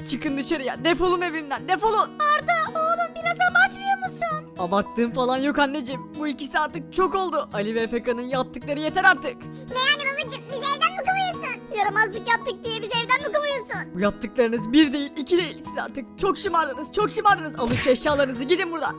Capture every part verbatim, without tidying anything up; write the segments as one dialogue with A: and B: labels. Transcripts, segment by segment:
A: çıkın dışarıya. Defolun evimden, defolun.
B: Arda oğlum biraz abartmıyor musun?
A: Abarttığım falan yok anneciğim. Bu ikisi artık çok oldu. Ali ve Efeka'nın yaptıkları yeter artık.
B: Ne yani babacım bizi evden mi kovuyorsun? Yaramazlık yaptık diye bizi evden mi kovuyorsun?
A: Bu yaptıklarınız bir değil, iki değil. Siz artık çok şımardınız, çok şımardınız. Alın şu eşyalarınızı, gidin buradan.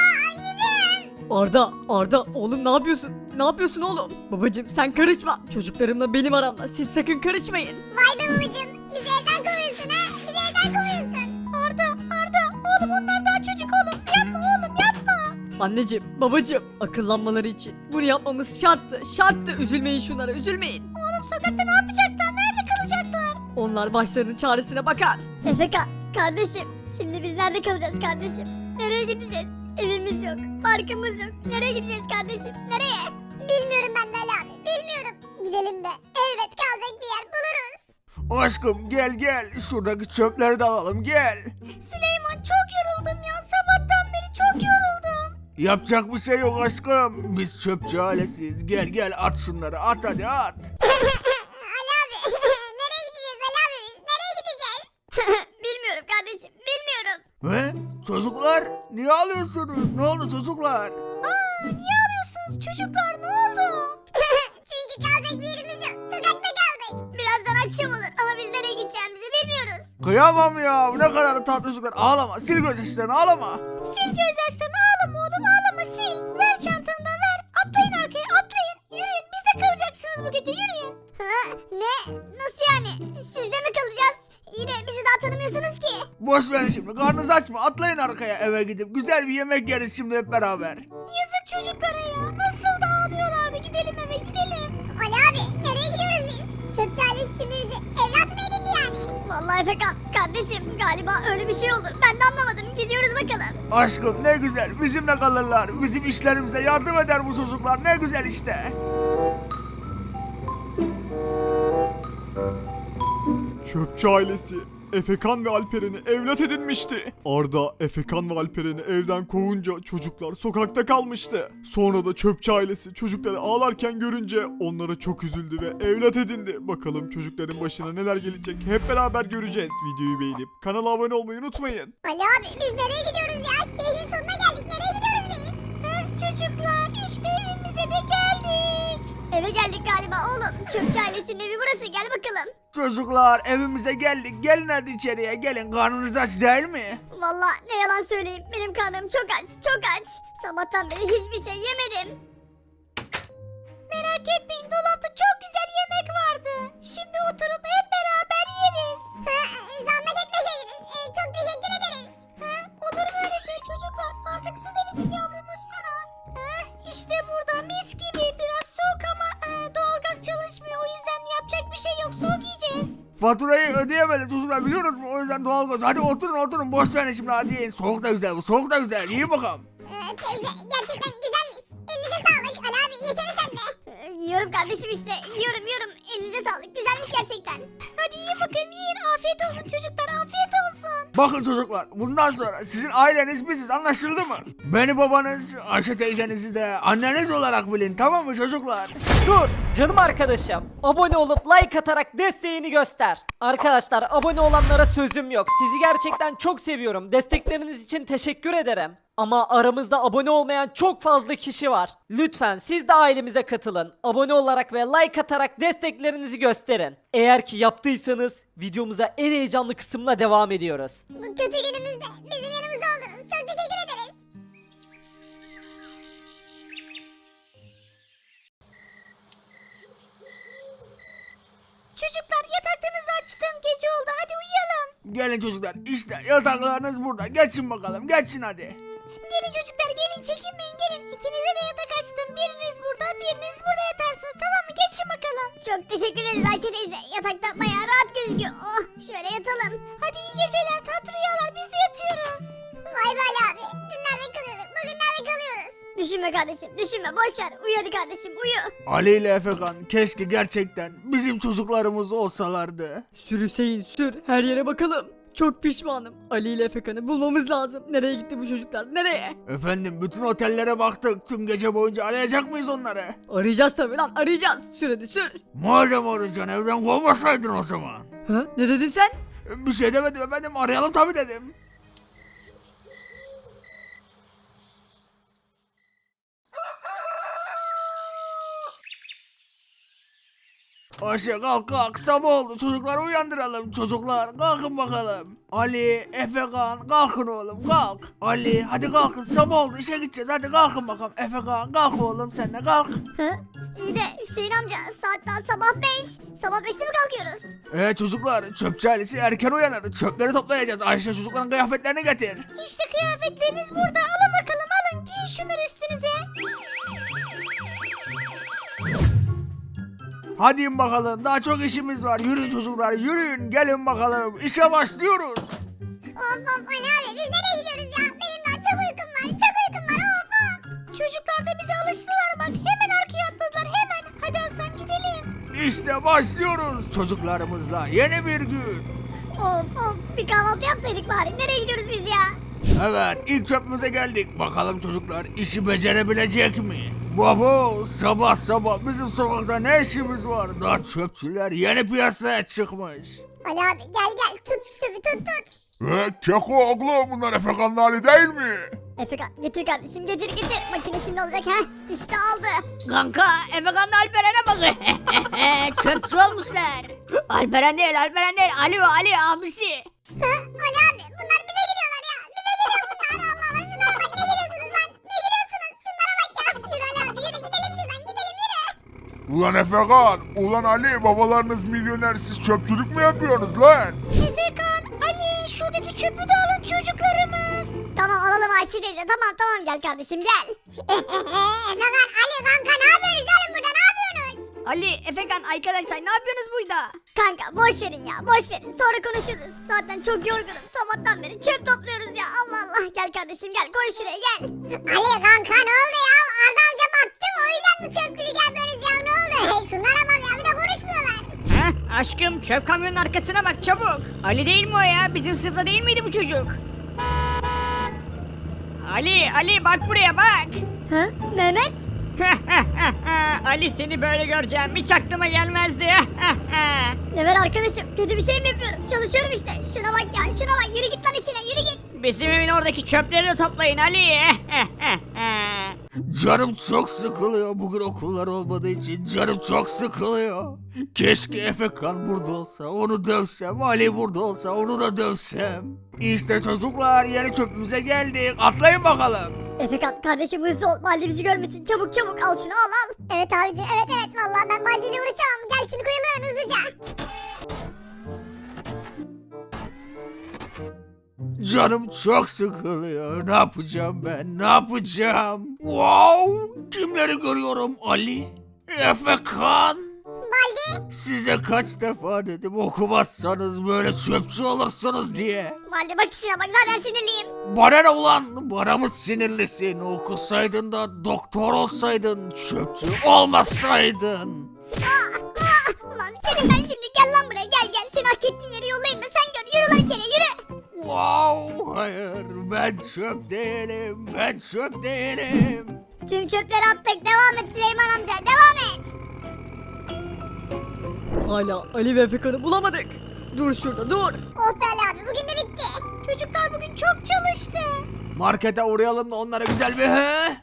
A: Arda, Arda oğlum ne yapıyorsun? Ne yapıyorsun oğlum? Babacım sen karışma. Çocuklarımla benim aramda. Siz sakın karışmayın.
B: Vay be babacım bizi evden kovuyorsun ha? Bizi evden kovuyorsun. Arda Arda oğlum onlar daha çocuk oğlum. Yapma oğlum yapma.
A: Anneciğim, babacım akıllanmaları için bunu yapmamız şarttı. Şarttı. Üzülmeyin şunlara, üzülmeyin.
B: Oğlum sokakta ne yapacaklar? Nerede kalacaklar?
A: Onlar başlarının çaresine bakar.
B: Efeka kardeşim şimdi biz nerede kalacağız kardeşim? Nereye gideceğiz? Evimiz yok, parkımız yok. Nereye gideceğiz kardeşim? Nereye? Bilmiyorum ben de Ali abi, bilmiyorum. Gidelim de elbet kalacak bir yer buluruz.
C: Aşkım gel gel şuradaki çöpleri de alalım gel.
B: Süleyman çok yoruldum ya. Sabahtan beri çok yoruldum.
C: Yapacak bir şey yok aşkım. Biz çöpçü ailesiyiz. Gel gel at şunları at hadi at.
B: Ali abi nereye gideceğiz Ali abi biz? Nereye gideceğiz? Bilmiyorum kardeşim, bilmiyorum.
C: He? Çocuklar niye ağlıyorsunuz? Ne oldu çocuklar?
B: Aa, niye ağlıyorsunuz çocuklar? Ne oldu? Çünkü kalacak bir yerimiz yok. Sokakta kaldık. Birazdan akşam olur ama biz nereye gideceğimizi bilmiyoruz.
C: Kıyamam ya ne kadar da tatlı çocuklar. Ağlama sil gözyaşlarını ağlama.
B: Sil gözyaşlarını ağlama oğlum ağlama sil. Ver çantanı da ver. Atlayın arkaya atlayın. Yürüyün biz de kalacaksınız bu gece yürüyün. Ha, ne? Nasıl yani? Sizde mi kalacağız? Yine bizi daha tanımıyorsunuz ki.
C: Boş verin şimdi karnınızı açma atlayın arkaya eve gidip güzel bir yemek yeriz şimdi hep beraber.
B: Yazık çocuklara ya. Nasıl da ağlıyorlardı. Gidelim eve gidelim. Ali abi nereye gidiyoruz biz? Çöpçü ailesi şimdi bizi evlat mı edindi yani? Vallahi Efekan kardeşim galiba öyle bir şey oldu. Ben de anlamadım. Gidiyoruz bakalım.
C: Aşkım ne güzel bizimle kalırlar. Bizim işlerimize yardım eder bu çocuklar ne güzel işte.
D: Çöpçü ailesi Efekan ve Alperen'i evlat edinmişti. Arda, Efekan ve Alperen'i evden kovunca çocuklar sokakta kalmıştı. Sonra da çöpçü ailesi çocukları ağlarken görünce onlara çok üzüldü ve evlat edindi. Bakalım çocukların başına neler gelecek hep beraber göreceğiz. Videoyu beğenip kanala abone olmayı unutmayın.
B: Ali abi biz nereye gidiyoruz ya? Şehrin sonuna geldik. Nereye gidiyoruz biz? Heh, çocuklar işte evimize de geldik. Eve geldik galiba oğlum. Çöpçü ailesinin evi burası. Gel bakalım.
C: Çocuklar evimize geldik gelin hadi içeriye gelin karnınız aç değil mi?
B: Vallahi ne yalan söyleyeyim. Benim karnım çok aç. Çok aç. Sabahtan beri hiçbir şey yemedim. Merak etmeyin dolapta çok güzel yemek vardı. Şimdi oturup hep beraber yeriz. Zahmet etmeseydiniz. çok teşekkür ederiz. olur mu öyle şey çocuklar? Artık siz de bizim yavrumuzsunuz. İşte burada mis gibi. Biraz soğuk ama e, doğalgaz çalışmıyor. O yüzden yapacak bir şey yok. Soğuk yiyeceğiz.
C: Faturayı ödeyemedi çocuklar biliyoruz mu? O yüzden doğalgaz. Hadi oturun oturun boş verin şimdi hadi yiyin. Soğuk da güzel bu soğuk da güzel yiyin bakalım.
B: Ee, teyze gerçekten güzelmiş. Elinize sağlık. Ali abi yesene sen de. yiyorum kardeşim işte. Yiyorum yiyorum. Elinize sağlık. Güzelmiş gerçekten. Hadi yiyin bakayım yiyin. Afiyet olsun çocuklar. Afiyet olsun.
C: Bakın çocuklar bundan sonra sizin aileniz biziz anlaşıldı mı? Beni babanız, Ayşe teyzenizi de anneniz olarak bilin tamam mı çocuklar?
A: Dur canım arkadaşım. Abone olup like atarak desteğini göster. Arkadaşlar abone olanlara sözüm yok. Sizi gerçekten çok seviyorum. Destekleriniz için teşekkür ederim. Ama aramızda abone olmayan çok fazla kişi var. Lütfen siz de ailemize katılın. Abone olarak ve like atarak desteklerinizi gösterin. Eğer ki yaptıysanız videomuza en heyecanlı kısımla devam ediyoruz.
B: Bu kötü günümüzde bizim yanımızda oldunuz. Çok teşekkür ederiz. Çocuklar yataklarınızı açtım. Gece oldu. Hadi uyuyalım.
C: Gelin çocuklar işte yataklarınız burada geçin bakalım geçin hadi.
B: Gelin çocuklar gelin çekinmeyin gelin. İkinize de yatak açtım. Biriniz burada biriniz burada yatarsınız tamam mı? Geçin bakalım. Çok teşekkür ederiz Ayşe teyze. Yatakta bayağı rahat gözüküyor. Oh şöyle yatalım. Hadi iyi geceler tatlı rüyalar biz de yatıyoruz. Vay be Ali abi. Dün nerede kalıyorduk bugün nerede kalıyoruz? Düşünme kardeşim düşünme boş ver. Uyu hadi kardeşim uyu.
C: Ali ile Efekan keşke gerçekten bizim çocuklarımız olsalardı.
A: Sür Hüseyin sür. Her yere bakalım. Çok pişmanım. Ali ile Efekan'ı bulmamız lazım. Nereye gitti bu çocuklar? Nereye?
C: Efendim bütün otellere baktık tüm gece boyunca arayacak mıyız onları?
A: Arayacağız tabii lan arayacağız. Sür hadi sür.
C: Madem arayacaksın evden kovmasaydın o zaman.
A: Ha? Ne dedin sen?
C: Bir şey demedim efendim, arayalım tabii dedim. Ayşe kalk kalk, sabah oldu, çocukları uyandıralım. Çocuklar kalkın bakalım. Ali, Efekan kalkın oğlum kalk. Ali hadi kalkın, sabah oldu, işe gideceğiz, hadi kalkın bakalım. Efekan kalk oğlum, sen de kalk.
B: Hı? İyi de Hüseyin amca saat daha sabah beş. Sabah beşte mi kalkıyoruz?
C: Ee çocuklar, çöpçü ailesi erken uyanır, çöpleri toplayacağız. Ayşe çocukların kıyafetlerini getir.
B: İşte kıyafetleriniz burada. Alın bakalım alın. Giyin şunları üstünüze.
C: Hadi in bakalım, daha çok işimiz var. Yürüyün çocuklar, yürüyün, gelin bakalım, işe başlıyoruz.
B: Of of Ali abi biz nereye gidiyoruz ya? Benim daha çok uykum var. Çok uykum var of of. Çocuklar da bize alıştılar bak. Hemen arkaya atladılar hemen. Hadi Hasan gidelim.
C: İşte başlıyoruz çocuklarımızla, yeni bir gün.
B: Of of bir kahvaltı yapsaydık bari. Nereye gidiyoruz biz ya?
C: Evet, ilk çöpümüze geldik. Bakalım çocuklar işi becerebilecek mi? Baba, sabah sabah bizim sokakta ne işimiz var? Daha çöpçüler yeni piyasaya çıkmış.
B: Ali abi gel gel tut şu bir tut tut.
C: He, Keko oğlum, bunlar Efekan'ın hali değil mi?
B: Efekan getir kardeşim getir getir. Makine şimdi olacak ha. İşte aldı.
E: Kanka Efekan'la Alperen'e bak. Çöpçü olmuşlar. Alperen değil Alperen değil. Ali o Ali abisi.
B: Hı? Ali abi bunlar bize geliyorlar ya. Bize geliyor bunlar. Allah Allah şunlara bak ne geliyorsunuz lan? Ne geliyorsunuz? Şunlara bak ya. Yürü Ali abi yürü gidelim şuradan gidelim yürü.
C: Ulan Efekan, ulan Ali, babalarınız milyoner, siz çöpçülük mü yapıyorsunuz lan?
B: Efekan, Ali şuradaki çöpü de alın çocuklarımız. Tamam alalım Ayşe teyze tamam tamam gel kardeşim gel. Efekan, Ali kanka ne yapıyorsunuz oğlum burada ne yapıyorsunuz?
E: Ali Efekan arkadaşlar ne yapıyorsunuz burada?
B: Kanka boş verin ya boş verin sonra konuşuruz. Zaten çok yorgunum sabahtan beri çöp topluyoruz ya Allah Allah. Gel kardeşim gel koy şuraya gel. Ali kanka ne oldu ya? Arda amca battı o yüzden bu çöpçülük yapıyoruz ya ne oldu? Hey şunlara bak ya bir de konuşmuyorlar.
E: Heh aşkım çöp kamyonun arkasına bak çabuk. Ali değil mi o ya? Bizim sınıfta değil miydi bu çocuk? Ali Ali bak buraya bak.
B: Hı? Mehmet?
E: Ali seni böyle göreceğim hiç aklıma gelmezdi.
B: Ne var arkadaşım kötü bir şey mi yapıyorum? Çalışıyorum işte. Şuna bak ya şuna bak yürü git lan işine yürü git.
E: Bizim evin oradaki çöpleri de toplayın Ali.
C: Canım çok sıkılıyor, bugün okullar olmadığı için canım çok sıkılıyor. Keşke Efekan burada olsa, onu dövsem, Ali burada olsa, onu da dövsem. İşte çocuklar, yeni çöpümüze geldik, atlayın bakalım.
B: Efekan kardeşim hızlı ol. Baldi bizi görmesin. Çabuk çabuk al şunu al al. Evet abicim evet evet vallahi ben Baldi ile uğraşamam. Gel şunu koyalım hızlıca.
C: Canım çok sıkılıyor, ne yapacağım ben, ne yapacağım? Wow, kimleri görüyorum? Ali, Efekan.
B: Baldi.
C: Size kaç defa dedim okumazsanız böyle çöpçü olursunuz diye.
B: Baldi bak işine bak zaten sinirliyim.
C: Bana ne ulan? Bana mı sinirlisin? Okusaydın da doktor olsaydın, çöpçü olmasaydın.
B: Ah, ah. Ulan senin ben şimdi gel lan buraya gel gel. Seni hak ettiğin yere yollayayım da sen gör. Yürü lan içeriye yürü.
C: Wow, hayır, ben çöp değilim, ben çöp değilim.
B: Tüm çöpleri attık. Devam et Süleyman amca devam et.
A: Hala Ali ve Efekan'ı bulamadık. Dur şurada dur.
B: Oh be Ali abi bugün de bitti. Çocuklar bugün çok çalıştı.
C: Markete uğrayalım da onlara güzel bir he?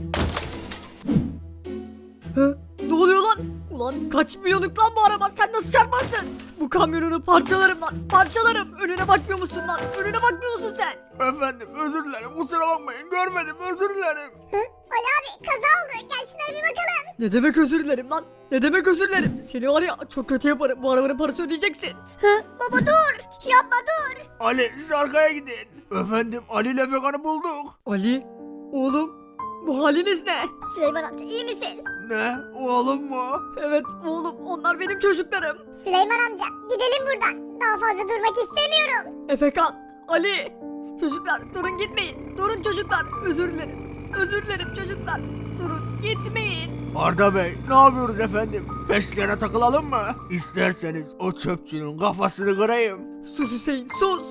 A: Hı? Ne oluyor lan? Ulan kaç milyonluk lan bu araba, sen nasıl çarparsın? Bu kamyonunu parçalarım lan, parçalarım. Önüne bakmıyor musun lan? Önüne bakmıyor musun sen?
C: Efendim özür dilerim, kusura bakmayın, görmedim, özür dilerim.
B: Hı? Ali abi kaza oldu. Gel şunlara bir bakalım.
A: Ne demek özür dilerim lan? Ne demek özür dilerim? Seni var ya çok kötü yaparım, bu arabanın parası ödeyeceksin.
B: Hı? Baba dur. Yapma dur.
C: Ali, siz arkaya gidin. Efendim, Ali ile Efekan'ı bulduk.
A: Ali, oğlum, bu haliniz ne?
B: Süleyman amca iyi misin?
C: Ne, oğlum mu?
A: Evet oğlum, onlar benim çocuklarım.
B: Süleyman amca gidelim buradan. Daha fazla durmak istemiyorum.
A: Efekan, Ali. Çocuklar durun gitmeyin. Durun çocuklar, özür dilerim. Özür dilerim çocuklar. Durun gitmeyin.
C: Arda Bey, ne yapıyoruz efendim? Peşlerine takılalım mı? İsterseniz o çöpçünün kafasını kırayım.
A: Sus Hüseyin, sus.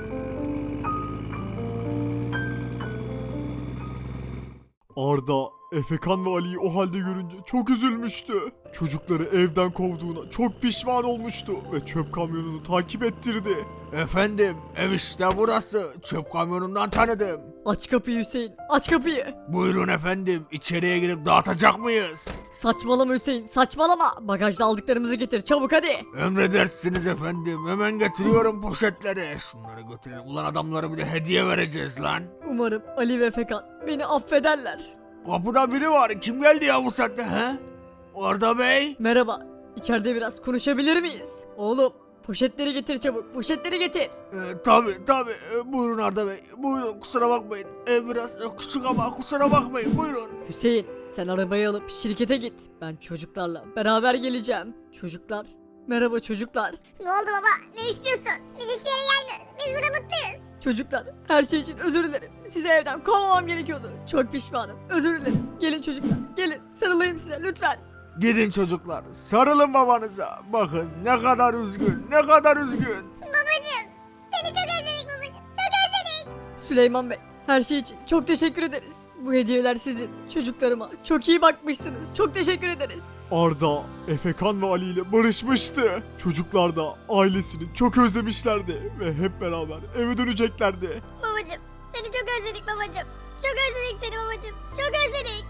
D: Arda, Efekan ve Ali'yi o halde görünce çok üzülmüştü. Çocukları evden kovduğuna çok pişman olmuştu ve çöp kamyonunu takip ettirdi.
C: Efendim ev işte burası. Çöp kamyonundan tanıdım.
A: Aç kapıyı Hüseyin, aç kapıyı.
C: Buyurun efendim içeriye girip dağıtacak mıyız?
A: Saçmalama Hüseyin, saçmalama. Bagajda aldıklarımızı getir çabuk hadi.
C: Emredersiniz efendim. Hemen getiriyorum poşetleri. Şunları götürelim. Ulan adamlara bir de hediye vereceğiz lan.
A: Umarım Ali ve Efekan beni affederler.
C: Kapıda biri var. Kim geldi ya bu saatte he? Arda Bey.
A: Merhaba, içeride biraz konuşabilir miyiz? Oğlum, poşetleri getir çabuk, poşetleri getir.
C: Ee, tabi tabi. Ee, buyurun Arda Bey. Buyurun kusura bakmayın. Ev biraz e, küçük ama kusura bakmayın. Buyurun.
A: Hüseyin, sen arabayı alıp şirkete git. Ben çocuklarla beraber geleceğim. Çocuklar, merhaba çocuklar.
B: Ne oldu baba? Ne istiyorsun? Biz hiçbir yere gelmiyoruz. Biz burada mutluyuz.
A: Çocuklar, her şey için özür dilerim. Sizi evden kovmamam gerekiyordu. Çok pişmanım, özür dilerim. Gelin çocuklar, gelin sarılayım size lütfen.
C: Gidin çocuklar. Sarılın babanıza. Bakın ne kadar üzgün. Ne kadar üzgün.
B: Babacım. Seni çok özledik babacım. Çok özledik.
A: Süleyman Bey, her şey için çok teşekkür ederiz. Bu hediyeler sizin. Çocuklarıma çok iyi bakmışsınız. Çok teşekkür ederiz.
D: Arda, Efekan ve Ali ile barışmıştı. Çocuklar da ailesini çok özlemişlerdi ve hep beraber eve döneceklerdi.
B: Babacım. Seni çok özledik babacım. Çok özledik seni babacım. Çok özledik.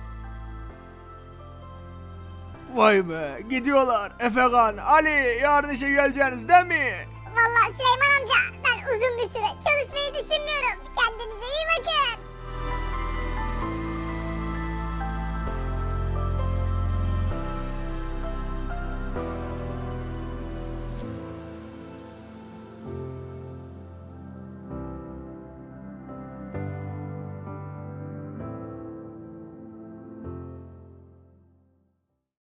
C: Vay be. Gidiyorlar. Efekan, Ali yarın işe geleceğiniz değil mi?
B: Vallahi Süleyman amca ben uzun bir süre çalışmayı düşünmüyorum. Kendinize iyi bakın.